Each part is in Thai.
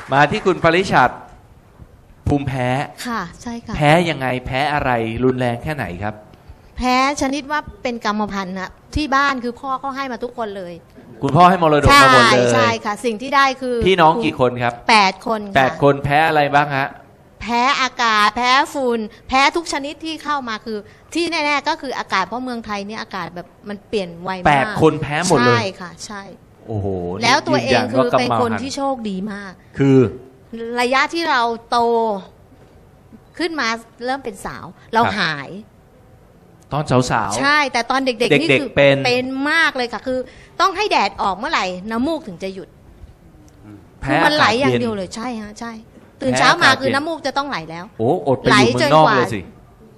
มาที่คุณปริชัดภูมิแพ้ค่ะใช่ค่ะแพ้ยังไงแพ้อะไรรุนแรงแค่ไหนครับแพ้ชนิดว่าเป็นกรรมพันธุ์นะที่บ้านคือพ่อเขาให้มาทุกคนเลยคุณพ่อให้มรดกมาหมดเลยใช่ค่ะสิ่งที่ได้คือพี่น้องกี่คนครับ 8 คนค่ะ 8 คนแพ้อะไรบ้างฮะแพ้อากาศแพ้ฝุ่นแพ้ทุกชนิดที่เข้ามาคือที่แน่ๆก็คืออากาศเพราะเมืองไทยเนี่ยอากาศแบบมันเปลี่ยนไวมาก 8 คนแพ้หมดเลยใช่ค่ะใช่โอ้โหแล้วตัวเองคือเป็นคนที่โชคดีมากคือระยะที่เราโตขึ้นมาเริ่มเป็นสาวเราหายตอนสาวๆใช่แต่ตอนเด็กๆนี่คือเป็นมากเลยค่ะคือต้องให้แดดออกเมื่อไหร่น้ำมูกถึงจะหยุดคือมันไหลอย่างเดียวเลยใช่ฮะใช่ตื่นเช้ามาคือน้ำมูกจะต้องไหลแล้วโอ้อดไปอยู่เมืองนอกเลยสิ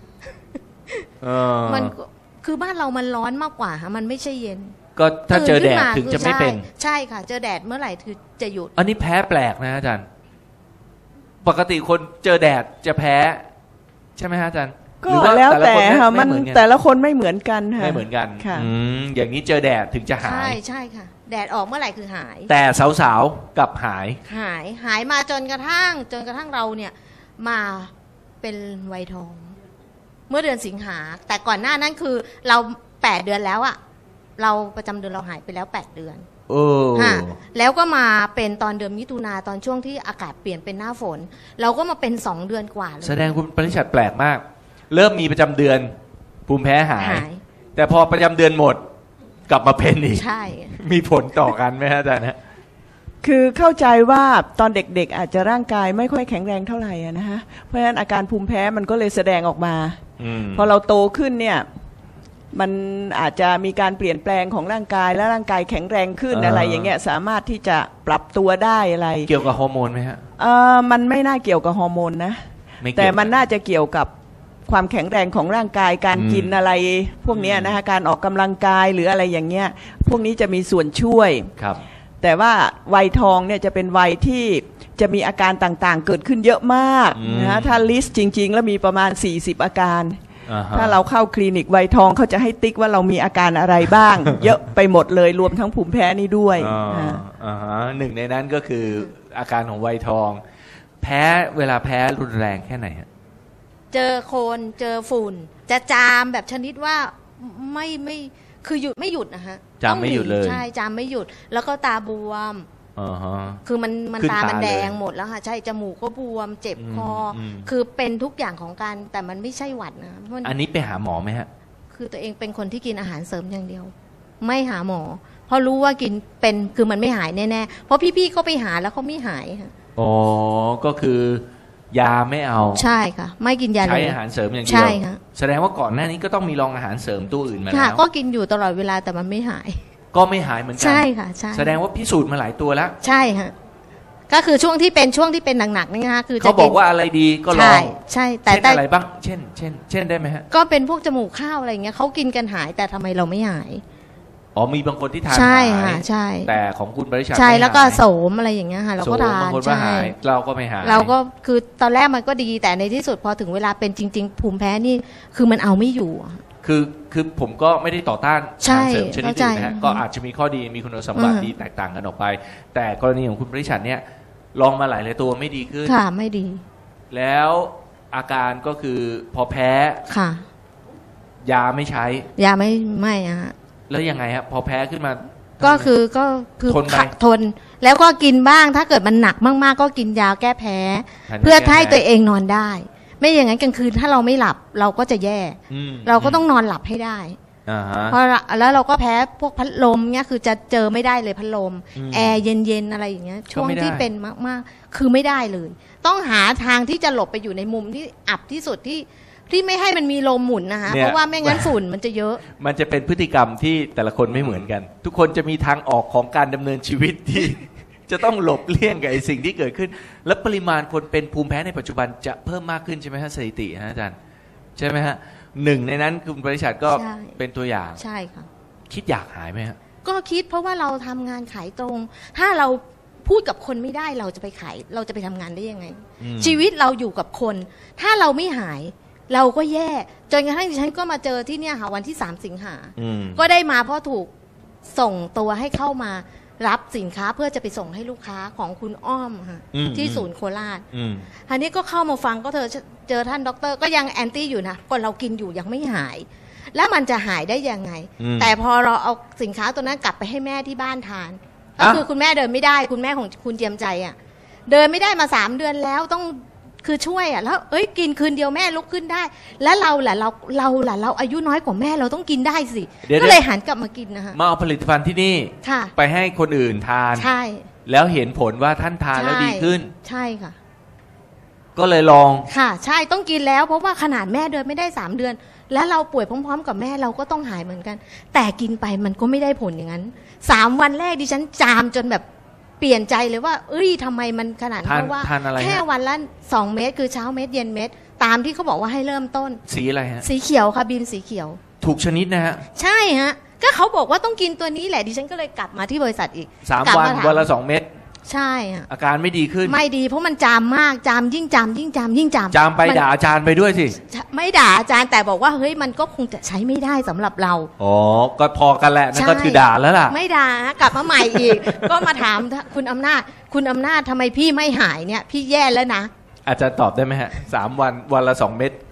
มันคือบ้านเรามันร้อนมากกว่าฮะมันไม่ใช่เย็นก็ถ้าเจอแดดถึงจะไม่เป็นใช่ค่ะเจอแดดเมื่อไหร่คือจะหยุดอันนี้แพ้แปลกนะอาจารย์ปกติคนเจอแดดจะแพ้ใช่ไหมฮะอาจารย์ก็แล้วแต่ค่ะมันแต่ละคนไม่เหมือนกันค่ะไม่เหมือนกันค่ะอย่างนี้เจอแดดถึงจะหายใช่ค่ะแดดออกเมื่อไหร่คือหายแต่สาวๆกับหายมาจนกระทั่งเราเนี่ยมาเป็นวัยทองเมื่อเดือนสิงหาแต่ก่อนหน้านั้นคือเรา8 เดือนแล้วอะเราประจำเดือนเราหายไปแล้ว8 เดือนแล้วก็มาเป็นตอนเดือนมิถุนาตอนช่วงที่อากาศเปลี่ยนเป็นหน้าฝนเราก็มาเป็น2 เดือนกว่าเลยแสดงคุณปริชัดแปลกมากเริ่มมีประจำเดือนภูมิแพ้หายแต่พอประจำเดือนหมดกลับมาเป็นอีกใช่มีผลต่อกันไหมฮะอาจารย์คือเข้าใจว่าตอนเด็กๆอาจจะร่างกายไม่ค่อยแข็งแรงเท่าไหร่นะฮะเพราะฉะนั้นอาการภูมิแพ้มันก็เลยแสดงออกมาพอเราโตขึ้นเนี่ยมันอาจจะมีการเปลี่ยนแปลงของร่างกายและร่างกายแข็งแรงขึ้นอะไรอย่างเงี้ยสามารถที่จะปรับตัวได้อะไรเกี่ยวกับฮอร์โมนไหมฮะมันไม่น่าเกี่ยวกับฮอร์โมนนะแต่มันน่าจะเกี่ยวกับความแข็งแรงของร่างกายการกินอะไรพวกนี้นะคะการออกกำลังกายหรืออะไรอย่างเงี้ยพวกนี้จะมีส่วนช่วยครับแต่ว่าวัยทองเนี่ยจะเป็นวัยที่จะมีอาการต่างๆเกิดขึ้นเยอะมากนะถ้าลิสต์จริงๆแล้วมีประมาณ40 อาการถ้าเราเข้าคลินิกวัยทองเขาจะให้ติ๊กว่าเรามีอาการอะไรบ้าง เยอะไปหมดเลยรวมทั้งภูมิแพ้นี่ด้วยหนึ่งในนั้นก็คืออาการของวัยทองแพ้เวลาแพ้รุนแรงแค่ไหนฮะเจอโคลนเจอฝุ่นจะจามแบบชนิดว่าไม่คือหยุดไม่หยุดนะฮะจามไม่หยุดเลยใช่จามไม่หยุดแล้วก็ตาบวมคือมันตามันแดงหมดแล้วค่ะใช่จมูกก็บวมเจ็บคอคือเป็นทุกอย่างของการแต่มันไม่ใช่หวัดนะอันนี้ไปหาหมอไหมฮะคือตัวเองเป็นคนที่กินอาหารเสริมอย่างเดียวไม่หาหมอเพราะรู้ว่ากินเป็นคือมันไม่หายแน่ๆเพราะพี่ๆเขาไปหาแล้วเขาไม่หายค่ะอ๋อก็คือยาไม่เอาใช่ค่ะไม่กินยาเลยใช้อาหารเสริมอย่างเดียวใช่ค่ะแสดงว่าก่อนหน้านี้ก็ต้องมีลองอาหารเสริมตัวอื่นมาแล้วก็กินอยู่ตลอดเวลาแต่มันไม่หายก็ไม่หายเหมือนกันใช่ค่ะใช่แสดงว่าพิสูจน์มาหลายตัวแล้วใช่ค่ะก็คือช่วงที่เป็นหนักๆนี่นะคะคือเขาบอกว่าอะไรดีก็ลองใช่แต่อะไรบ้างเช่นได้ไหมฮะก็เป็นพวกจมูกข้าวอะไรอย่างเงี้ยเขากินกันหายแต่ทำไมเราไม่หายอ๋อมีบางคนที่ทานใช่ค่ะใช่แต่ของคุณบริษัทใช่แล้วก็โสมอะไรอย่างเงี้ยค่ะเราก็ทานใช่เราก็ไม่หายเราก็คือตอนแรกมันก็ดีแต่ในที่สุดพอถึงเวลาเป็นจริงๆภูมิแพ้นี่คือมันเอาไม่อยู่คือผมก็ไม่ได้ต่อต้านอาหารเสริมชนิดอื่นนะฮะก็อาจจะมีข้อดีมีคุณสมบัติดีแตกต่างกันออกไปแต่กรณีของคุณบริษัทเนี่ยลองมาหลายตัวไม่ดีขึ้นค่ะไม่ดีแล้วอาการก็คือพอแพ้ค่ะยาไม่ใช้ยาไม่อะแล้วยังไงฮะพอแพ้ขึ้นมาก็คือทนแล้วก็กินบ้างถ้าเกิดมันหนักมากๆก็กินยาแก้แพ้เพื่อให้ตัวเองนอนได้ไม่อย่างนั้นกลางคืนถ้าเราไม่หลับเราก็จะแย่เราก็ต้องนอนหลับให้ได้เพราะแล้วเราก็แพ้พวกพัดลมเนี่ยคือจะเจอไม่ได้เลยพัดลมแอร์เย็นๆอะไรอย่างเงี้ยช่วงที่เป็นมากๆคือไม่ได้เลยต้องหาทางที่จะหลบไปอยู่ในมุมที่อับที่สุดที่ไม่ให้มันมีลมหมุนนะคะเพราะว่าไม่งั้นฝุ่นมันจะเยอะมันจะเป็นพฤติกรรมที่แต่ละคนไม่เหมือนกันทุกคนจะมีทางออกของการดำเนินชีวิตที่จะต้องหลบเลี่ยงกับไอ้สิ่งที่เกิดขึ้นและปริมาณคนเป็นภูมิแพ้ในปัจจุบันจะเพิ่มมากขึ้นใช่ไหมฮะสถิติฮะอาจารย์ใช่ไหมฮะหนึ่งในนั้นคุณบริษัทก็เป็นตัวอย่างใช่ค่ะคิดอยากหายไหมฮะก็คิดเพราะว่าเราทำงานขายตรงถ้าเราพูดกับคนไม่ได้เราจะไปขายเราจะไปทำงานได้ยังไงชีวิตเราอยู่กับคนถ้าเราไม่หายเราก็แย่จนกระทั่งดิฉันก็มาเจอที่เนี่ยค่ะวันที่3 สิงหาก็ได้มาเพราะถูกส่งตัวให้เข้ามารับสินค้าเพื่อจะไปส่งให้ลูกค้าของคุณอ้อมค่ะที่ศูนย์โคราชอันนี้ก็เข้ามาฟังก็เจอท่านด็อกเตอร์ก็ยังแอนตี้อยู่นะก็เรากินอยู่ยังไม่หายแล้วมันจะหายได้ยังไงแต่พอเราเอาสินค้าตัวนั้นกลับไปให้แม่ที่บ้านทานก็คือคุณแม่เดินไม่ได้คุณแม่ของคุณเจียมใจอ่ะเดินไม่ได้มา3 เดือนแล้วต้องคือช่วยอ่ะแล้วกินคืนเดียวแม่ลุกขึ้นได้แล้วเราล่ะเราอายุน้อยกว่าแม่เราต้องกินได้สิก็เลยหันกลับมากินนะคะมาเอาผลิตภัณฑ์ที่นี่ไปให้คนอื่นทานใช่แล้วเห็นผลว่าท่านทานแล้วดีขึ้นใช่ค่ะก็เลยลองค่ะใช่ต้องกินแล้วเพราะว่าขนาดแม่เดินไม่ได้3 เดือนแล้วเราป่วยพร้อมๆกับแม่เราก็ต้องหายเหมือนกันแต่กินไปมันก็ไม่ได้ผลอย่างนั้น3 วันแรกดิฉันจามจนแบบเปลี่ยนใจเลยว่าทำไมมันขนาดนั้นเพราะว่าแค่วันละ2 เม็ดคือเช้าเม็ดเย็นเม็ดตามที่เขาบอกว่าให้เริ่มต้นสีอะไรฮะสีเขียวค่ะบีมสีเขียวถูกชนิดนะฮะใช่ฮะก็เขาบอกว่าต้องกินตัวนี้แหละดิฉันก็เลยกลับมาที่บริษัทอีก 3 วันละ2 เม็ดใช่อาการไม่ดีขึ้นไม่ดีเพราะมันจามมากจามยิ่งจามจามไปด่าอาจารย์ไปด้วยสิไม่ด่าอาจารย์แต่บอกว่าเฮ้ยมันก็คงจะใช้ไม่ได้สำหรับเราอ๋อก็พอกันแหละนั่นก็คือด่าแล้วล่ะไม่ด่ากลับมาใหม่อีก ก็มาถามคุณอำนาจทำไมพี่ไม่หายเนี่ยพี่แย่แล้วนะอาจารย์ตอบได้ไหมฮะ3 วันละ 2 เม็ด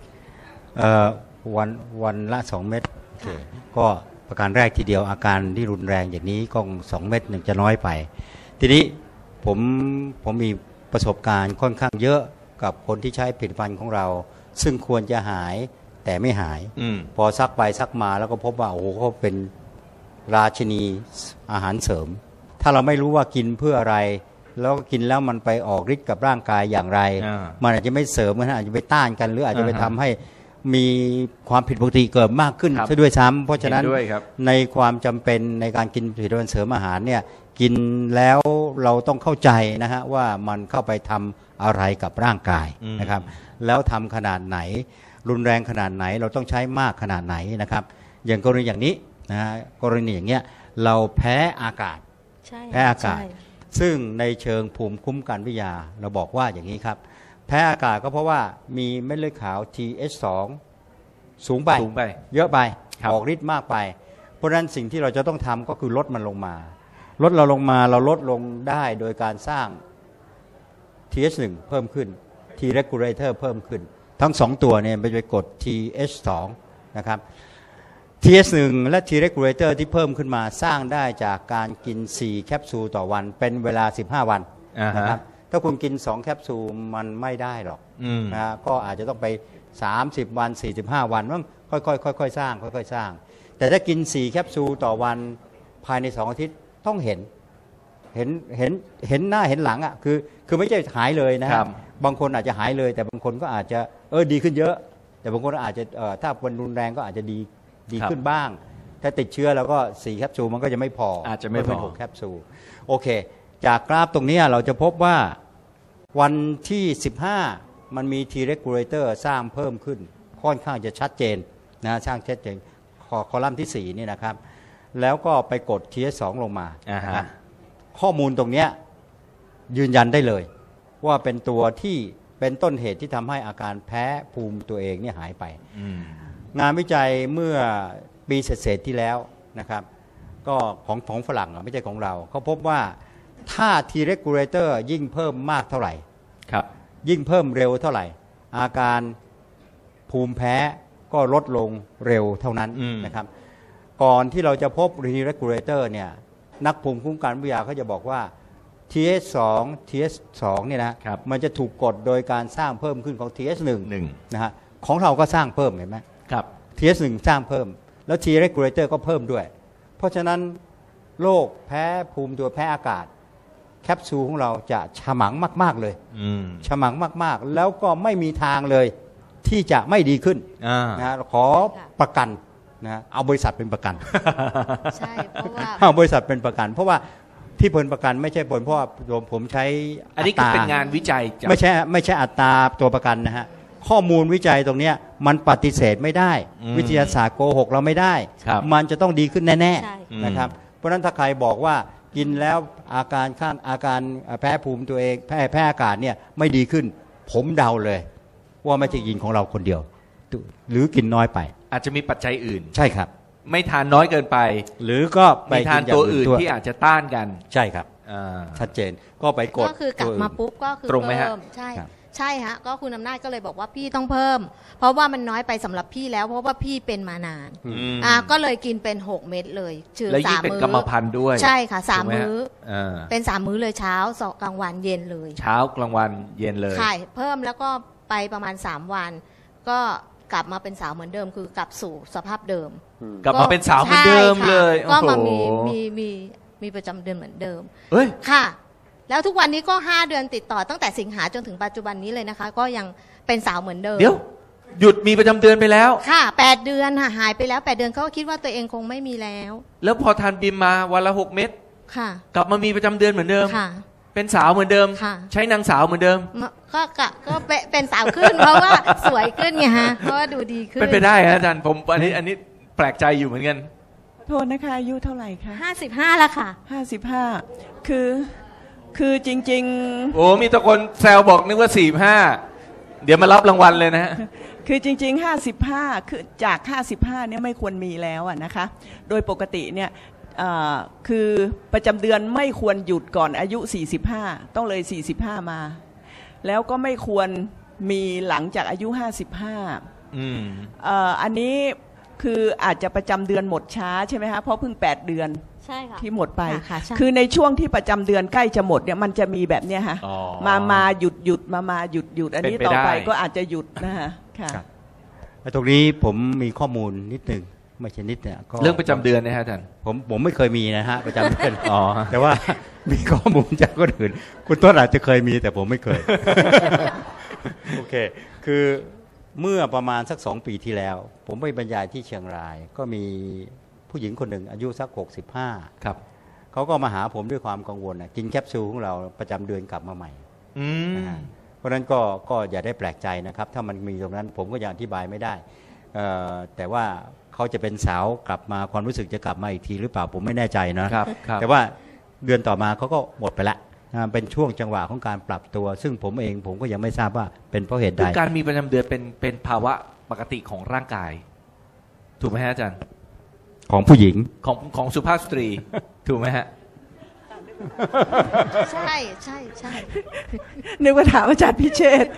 วันละ2 เม็ดก็ประการแรกทีเดียวอาการที่รุนแรงอย่างนี้ก็2 เม็ดหนึ่งจะน้อยไปทีนี้ผมมีประสบการณ์ค่อนข้างเยอะกับคนที่ใช้ผลิตภัณฑ์ของเราซึ่งควรจะหายแต่ไม่หายพอซักไปซักมาแล้วก็พบว่าโอ้โหเขาเป็นราชินีอาหารเสริมถ้าเราไม่รู้ว่ากินเพื่ออะไรแล้วกินแล้วมันไปออกฤทธิ์กับร่างกายอย่างไรมันอาจจะไม่เสริมมันอาจจะไปต้านกันหรืออาจจะไปทำให้มีความผิดปกติเกิดมากขึ้นซะด้วยซ้ำเพราะฉะนั้นในความจำเป็นในการกินผลิตภัณฑ์เสริมอาหารเนี่ยกินแล้วเราต้องเข้าใจนะฮะว่ามันเข้าไปทำอะไรกับร่างกายนะครับแล้วทำขนาดไหนรุนแรงขนาดไหนเราต้องใช้มากขนาดไหนนะครับอย่างกรณีอย่างนี้นะฮะกรณีอย่างเงี้ยเราแพ้อากาศแพ้อากาศซึ่งในเชิงภูมิคุ้มกันวิทยาเราบอกว่าอย่างนี้ครับแพ้อากาศก็เพราะว่ามีเม็ดเลือดขาว TH2 สูงไปเยอะไปออกฤทธิ์มากไปเพราะฉะนั้นสิ่งที่เราจะต้องทำก็คือลดมันลงมาลดเราลงมาเราลดลงได้โดยการสร้าง TH1 เพิ่มขึ้น T regulator เพิ่มขึ้นทั้ง2ตัวเนี่ยไปกด TH2 นะครับ TH1 และ T regulator ที่เพิ่มขึ้นมาสร้างได้จากการกิน4แคปซูลต่อวันเป็นเวลา15 วันนะครับถ้าคุณกิน2แคปซูลมันไม่ได้หรอกนะก็อาจจะต้องไป30 วัน45 วันต้องค่อยๆสร้างค่อยๆสร้างแต่ถ้ากิน4แคปซูลต่อวันภายใน2 อาทิตย์ต้องเห็นหน้าเห็นหลังอ่ะคือไม่ใช่หายเลยนะครับบางคนอาจจะหายเลยแต่บางคนก็อาจจะดีขึ้นเยอะแต่บางคนอาจจะถ้าวันรุนแรงก็อาจจะดีขึ้นบ้างถ้าติดเชื้อแล้วก็4แคปซูลมันก็จะไม่พออาจจะไม่พอ 6แคปซูลโอเคจากกราฟตรงนี้เราจะพบว่าวันที่15มันมี T regulator สร้างเพิ่มขึ้นค่อนข้างจะชัดเจนนะสร้างชัดเจนคอลัมน์ที่4นี่นะครับแล้วก็ไปกด TH2 ลงมาข้อมูลตรงนี้ยืนยันได้เลยว่าเป็นตัวที่เป็นต้นเหตุที่ทำให้อาการแพ้ภูมิตัวเองเนี่ยหายไปงานวิจัยเมื่อปีเศษๆที่แล้วนะครับก็ของฝรั่งไม่ใช่ของเราเขาพบว่าถ้า T regulator ยิ่งเพิ่มมากเท่าไหร่ยิ่งเพิ่มเร็วเท่าไหร่อาการภูมิแพ้ก็ลดลงเร็วเท่านั้นนะครับก่อนที่เราจะพบ T regulator เนี่ยนักภูมิคุ้มกันวิทยาเขาจะบอกว่า TH2 เนี่ยนะมันจะถูกกดโดยการสร้างเพิ่มขึ้นของ TH1 นะฮะของเราก็สร้างเพิ่มเห็นไหมครับ TH1 สร้างเพิ่มแล้ว T regulator ก็เพิ่มด้วยเพราะฉะนั้นโรคแพ้ภูมิตัวแพ้อากาศแคปซูลของเราจะฉมังมากๆเลยฉมังมากๆแล้วก็ไม่มีทางเลยที่จะไม่ดีขึ้นนะขอประกันนะเอาบริษัทเป็นประกันใช่เพราะว่าเอาบริษัทเป็นประกันเพราะว่าที่ผลประกันไม่ใช่ผลเพราะว่าผมใช้อันนี้คือเป็นงานวิจัยไม่ใช่อัตราตัวประกันนะฮะข้อมูลวิจัยตรงนี้มันปฏิเสธไม่ได้วิทยาศาสตร์โกหกเราไม่ได้มันจะต้องดีขึ้นแน่ๆนะครับเพราะฉะนั้นถ้าใครบอกว่ากินแล้วอาการแพ้ภูมิตัวเองแพ้อากาศเนี่ยไม่ดีขึ้นผมเดาเลยว่าไม่ใช่กินของเราคนเดียวหรือกินน้อยไปอาจจะมีปัจจัยอื่นใช่ครับไม่ทานน้อยเกินไปหรือก็ไปมีทานตัวอื่นที่อาจจะต้านกันใช่ครับอ่าชัดเจนก็ไปกดก็คือกลับมาปุ๊บก็คือตรงไหมฮะเพิ่มใช่ครับใช่ฮะก็คุณอำนาจก็เลยบอกว่าพี่ต้องเพิ่ม เพราะว่ามันน้อยไปสำหรับพี่แล้ว เพราะว่าพี่เป็นมานานอืมก็เลยกินเป็น6 เม็ดเลยชื่อแล้วยิ่ง 3 เป็นมื้กรรมพันธุ์ด้วยใช่ค่ะถูกไห 3 มื้ออ่าเป็น3 มื้อเลยเช้า2กลางวันเย็นเลยเช้ากลางวันเย็นเลยค่ะเพิ่มแล้วก็ไปประมาณ3 วัน ก็กลับมาเป็นสาวเหมือนเดิม คือกลับสู่สภาพเดิมกลับมาเป็นสาวเหมือนเดิมใช่ค่ะเลยก็มาโอ้โหมีประจำเดือนเหมือนเดิมเฮ้ยค่ะ แล้วทุกวันนี้ก็5 เดือนติดต่อตั้งแต่สิงหาจนถึงปัจจุบันนี้เลยนะคะ ก็ยังเป็นสาวเหมือนเดิมเดี๋ยว หยุดมีประจำเดือนไปแล้วค่ะ8 เดือนค่ะหายไปแล้ว8 เดือนเขาก็คิดว่าตัวเองคงไม่มีแล้วแล้วพอทานบิมมาวันละ6 เม็ดค่ะกลับมามีประจำเดือนเหมือนเดิมค่ะเป็นสาวเหมือนเดิมค่ะใช้นางสาวเหมือนเดิมก็เป็นสาวขึ้น เพราะว่าสวยขึ้นไงฮะเพราะว่าดูดีขึ้นเป็นไปได้ฮะอาจารย์ผมอันนี้แปลกใจอยู่เหมือนกันโทษนะคะอายุเท่าไหร่คะ 55แล้วค่ะ 55คือจริงโอ้มีแตะคนแซวบอกนึกว่า45เดี๋ยวมารับรางวัลเลยนะฮะๆ คือจริงๆ55คือจาก55เนี่ยไม่ควรมีแล้วอะนะคะโดยปกติเนี่ยคือประจำเดือนไม่ควรหยุดก่อนอายุ45ต้องเลย45มาแล้วก็ไม่ควรมีหลังจากอายุ55 อืมอันนี้คืออาจจะประจำเดือนหมดช้าใช่ไหมคะเพราะเพิ่ง8 เดือนใช่ค่ะที่หมดไปค่ะใช่คือในช่วงที่ประจำเดือนใกล้จะหมดเนี่ยมันจะมีแบบเนี้ยค่ะอ๋อมาหยุดมาหยุดอันนี้เป็นไปต่อไปได้ก็อาจจะหยุดนะฮะค่ะครับตรงนี้ผมมีข้อมูลนิดหนึ่งไม่ใช่นิดเนี่ยก็เรื่องประจำเดือนนะฮะอาจารย์ผมไม่เคยมีนะฮะประจำเดือนอ๋อแต่ว่ามีข้อมูลจากคนอื่น คุณต้นอาจจะเคยมีแต่ผมไม่เคย โอเค คือเมื่อประมาณสัก2 ปีที่แล้ว ผมไปบรรยายที่เชียงราย ก็มีผู้หญิงคนหนึ่งอายุสัก65 ครับเขาก็มาหาผมด้วยความกังวลกินแคปซูลของเราประจำเดือนกลับมาใหม่อืมนะฮะเพราะฉะนั้นก็อย่าได้แปลกใจนะครับ ถ้ามันมีตรงนั้นผมก็ยังอธิบายไม่ได้แต่ว่าเขาจะเป็นสาวกลับมาความรู้สึกจะกลับมาอีกทีหรือเปล่าผมไม่แน่ใจนะครับครับแต่ว่าเดือนต่อมาเขาก็หมดไปละเป็นช่วงจังหวะของการปรับตัว ซึ่งผมก็ยังไม่ทราบว่าเป็นเพราะเหตุใดคือการมีประจำเดือนเป็นภาวะปกติของร่างกาย ถูกไหมฮะอาจารย์ของผู้หญิงของสุภาพสตรี ถูกไหมฮะใช่ใช่ใช่นึกว่าถามอาจารย์พิเชษฐ์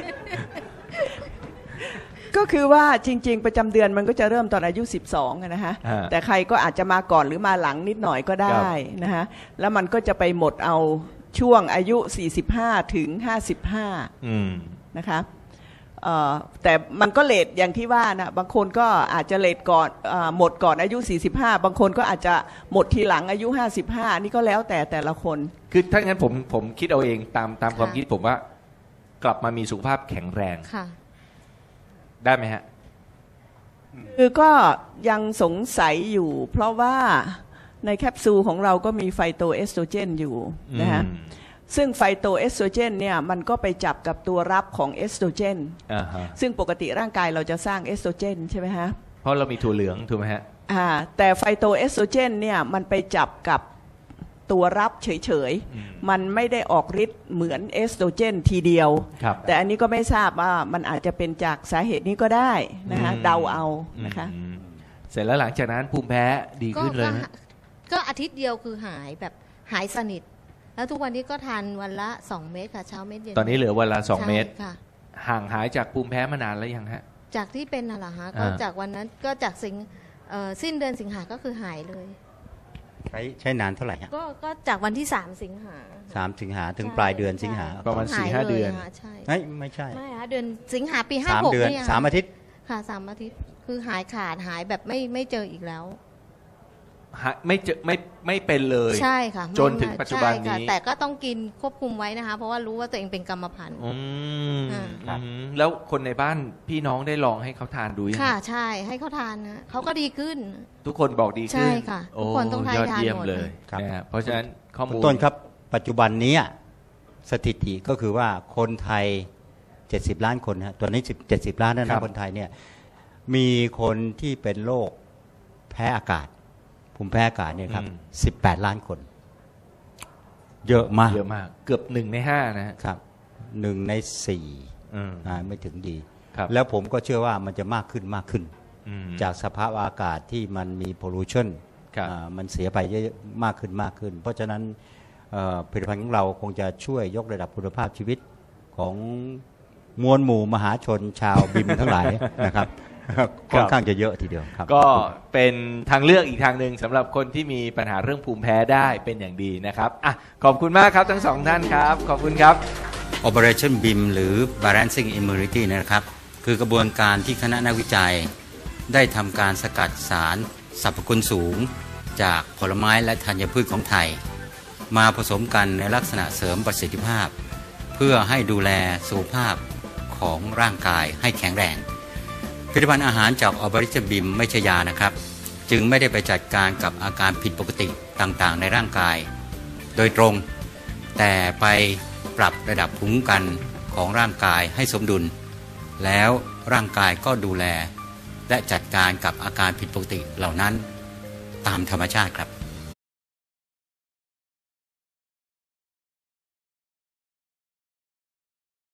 ก็คือว่าจริง ๆ ประจำเดือนมันก็จะเริ่มตอนอายุ12อะนะฮะอ่าแต่ใครก็อาจจะมาก่อนหรือมาหลังนิดหน่อยก็ได้นะฮะแล้วมันก็จะไปหมดเอาช่วงอายุ45ถึง55 อืมนะคะแต่มันก็เลทอย่างที่ว่านะบางคนก็อาจจะเลทก่อนหมดก่อนอายุ45บางคนก็อาจจะหมดทีหลังอายุ55นี่ก็แล้วแต่ละคนคือถ้างั้นผมคิดเอาเองตามความคิดผมว่า กลับมามีสุขภาพแข็งแรงค่ะได้ไหมฮะคือก็ยังสงสัยอยู่ เพราะว่าในแคปซูลของเราก็มีไฟโตเอสโตรเจนอยู่นะฮะอืมซึ่งไฟโตเอสโตรเจนเนี่ยมันก็ไปจับกับตัวรับของเอสโตรเจนอ่าฮะซึ่งปกติร่างกายเราจะสร้างเอสโตรเจนใช่ไหมฮะเพราะเรามีถั่วเหลืองถูกไหมฮะแต่ไฟโตเอสโตรเจนเนี่ยมันไปจับกับตัวรับเฉยอืมๆมันไม่ได้ออกฤทธิ์เหมือนเอสโตรเจนทีเดียวครับแต่อันนี้ก็ไม่ทราบว่ามันอาจจะเป็นจากสาเหตุนี้ก็ได้นะฮะเดาเอานะคะอืมเสร็จแล้วหลังจากนั้นภูมิแพ้ดีขึ้นเลยไหมก็อาทิตย์เดียวคือหายแบบหายสนิท แล้วทุกวันนี้ก็ทานวันละ2 เม็ดค่ะเช้าเม็ดเย็นตอนนี้เหลือวันละ2 ใช่เม็ดค่ะห่างหายจากภูมิแพ้มานานแล้วยังฮะจากที่เป็นน่ะเหรอฮะก็อ่าจากวันนั้นก็จากสิ้นเดือนสิงหาก็คือหายเลยใช้นานเท่าไหร่ฮะก็จากวันที่3 สิงหา 3 สิงหาถึงปลายเดือนสิงหาประมาณหย 4-5 เดือนลยะใช่ไม่ใช่ไม่ฮะเดือนสิงหาปี 3 เดือน 56เนี่ย 3 อาทิตย์ค่ะ3 อาทิตย์คือหายขาดหายแบบไม่เจออีกแล้วไม่เจอไม่เป็นเลยใช่ค่ะจนถึงปัจจุบันนี้ใช่ค่ะแต่ก็ต้องกินควบคุมไว้นะคะ เพราะว่ารู้ว่าตัวเองเป็นกรรมพันธุ์อืมค่ะอืมแล้วคนในบ้านพี่น้องได้ลองให้เขาทานดูยังค่ะใช่ให้เขาทานนะเขาก็ดีขึ้นทุกคนบอกดีขึ้นใช่ค่ะทุกคนต้องโทานยอดเยี่ยมหมดเลยครับนะฮะเพราะฉะนั้นข้อคุมูณลต้นครับปัจจุบันนี้สถิติก็คือว่าคนไทย 70 ล้านคนฮะตัวนี้70 ล้านนะคนไทยเนี่ยมีคนที่เป็นโรคแพ้อากาศภูมิแพ้อากาศเนี่ยครับ18 ล้านคน เยอะมากเยอะมาก เกือบ1 ใน 5นะฮะครับ1 ใน 4 อืมไม่ถึงดีครับแล้วผมก็เชื่อว่ามันจะมากขึ้นจากสภาพอากาศที่มันมี pollution ครับมันเสียไปเยอะมากขึ้น เพราะฉะนั้นผลิตภัณฑ์ของเราคงจะช่วยยกระดับคุณภาพชีวิตของมวลหมู่มหาชนชาวบิมทั้งหลายนะครับค่อนข้างจะเยอะทีเดียวครับก็เป็นทางเลือกอีกทางหนึ่งสำหรับคนที่มีปัญหาเรื่องภูมิแพ้ได้เป็นอย่างดีนะครับขอบคุณมากครับทั้งสองท่านครับขอบคุณครับ Operation BIM หรือ Balancing Immunity นะครับคือกระบวนการที่คณะนักวิจัยได้ทำการสกัดสารสรรพคุณสูงจากผลไม้และธัญพืชของไทยมาผสมกันในลักษณะเสริมประสิทธิภาพเพื่อให้ดูแลสุขภาพของร่างกายให้แข็งแรงผลิตภัณฑ์อาหารจาก Operation BIM ไม่ใช่ยานะครับจึงไม่ได้ไปจัดการกับอาการผิดปกติต่างๆในร่างกายโดยตรงแต่ไปปรับระดับภูมิคุ้มกันของร่างกายให้สมดุลแล้วร่างกายก็ดูแลและจัดการกับอาการผิดปกติเหล่านั้นตามธรรมชาติครับ